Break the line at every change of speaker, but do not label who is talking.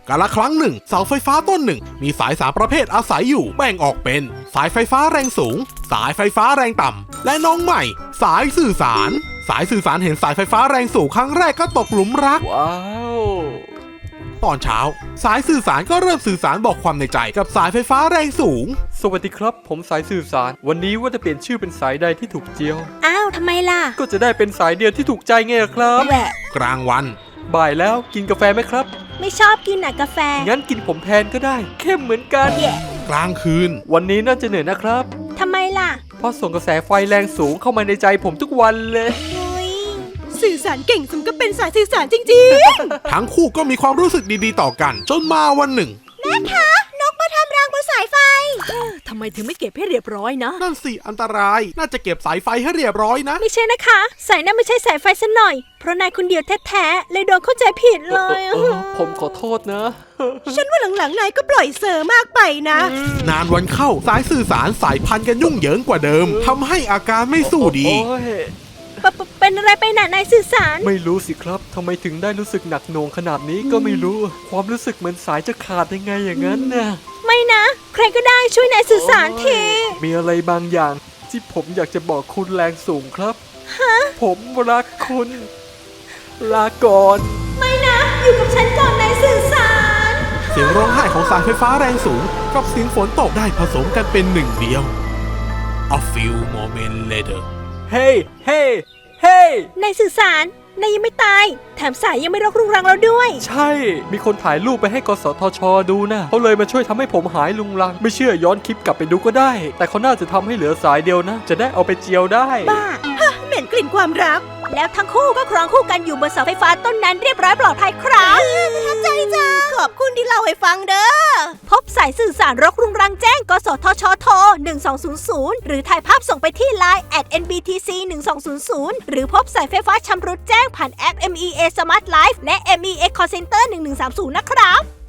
กาลครั้งหนึ่งเสาไฟฟ้าต้นหนึ่งมีสาย3ประเภทอาศัยอยู่แบ่งออกเป็นสายไฟฟ้าแรงสูงสายไฟฟ้าแรงต่ำและน้องใหม่สายสื่อสารสายสื่อสารเห็นสายไฟฟ้าแรงสูงครั้งแรกก็ตกหลุมรัก
ว้าว
ตอนเช้าสายสื่อสารก็เริ่มสื่อสารบอกความในใจกับสายไฟฟ้าแรงสูง
สวัสดีครับผมสายสื่อสารวันนี้ว่าจะเปลี่ยนชื่อเป็นสายใดที่ถูกเจียว
อ้าวทำไมล่ะ
ก็จะได้เป็นสายเดียวที่ถูกใจไงล่ะครับ
แหวะ
กลางวัน
บ่ายแล้วกินกาแฟไหมครับ
ไม่ชอบกินกาแฟ
งั้นกินผมแทนก็ได้เข้มเหมือนกัน
กลางคืน
วันนี้น่าจะเหนื่อยนะครับ
ทำไมล่ะ
เพราะส่งกระแสไฟแรงสูงเข้ามาในใจผมทุกวันเลย
สื่อสารเก่งสมก็เป็นสายสื่อสารจริง
ๆ ทั้งคู่ก็มีความรู้สึกดีๆต่อกันจนมาวันหนึ่ง
แม่คะนกมาทำรังบนสายไฟทำไมถึงไม่เก็บให้เรียบร้อยนะ
นั่นสิอันตรายน่าจะเก็บสายไฟให้เรียบร้อยนะ
ไม่ใช่นะคะสายนั้นไม่ใช่สายไฟซะหน่อยเพราะนายคนเดียวแท้ๆเลยโดนเข้าใจผิดเลย
ผมขอโทษนะ
ฉันว่าหลังๆนายก็ปล่อยเซอร์มากไปนะ
นานวันเข้าสายสื่อสารสายพันกันยุ่งเหยิงกว่าเดิมทำให้อาการไม่สู้ดี
เป็นอะไรไปหนานายสื่อสาร
ไม่รู้สิครับทำไมถึงได้รู้สึกหนักหน่วงขนาดนี้ก็ไม่รู้ความรู้สึกเหมือนสายจะขาดยังไงอย่างนั้นนะ
ไม่นะใครก็ได้ช่วยนายสื่อสารที
มีอะไรบางอย่างที่ผมอยากจะบอกคุณแรงสูงครับผมรักคุณลาก่อน
ไม่นะอยู่กับฉันก่อนนายสื่อสาร
เสียงร้องไห้ของสายไฟฟ้าแรงสูงกับเสียงฝนตกได้ผสมกันเป็นหนึ่งเดียว A few moments later
เฮ้เฮ้เฮ้
นายสื่อสารนายยังไม่ตายแถมสายยังไม่รกรุงรังแล้วด้วย
ใช่มีคนถ่ายรูปไปให้กสทช.ดูนะเขาเลยมาช่วยทำให้ผมหายลุงรังไม่เชื่อย้อนคลิปกลับไปดูก็ได้แต่เขาน่าจะทำให้เหลือสายเดียวนะจะได้เอาไปเจียวได้
บ้าเหม็นกลิ่นความรักแล้วทั้งคู่ก็ครองคู่กันอยู่บนเสาไฟฟ้าต้นนั้นเรียบร้อยปลอดภัยครับประทับใจจังขอบคุณที่เล่าให้ฟังเด้อพบสายสื่อสารรกรุงรังแจ้งกสทชโทร1200หรือถ่ายภาพส่งไปที่ Line @nbtc 1200หรือพบสายไฟฟ้าชำรุดแจ้งผ่านแอป MEA Smart Life และ MEA Call Center 1130นะครับ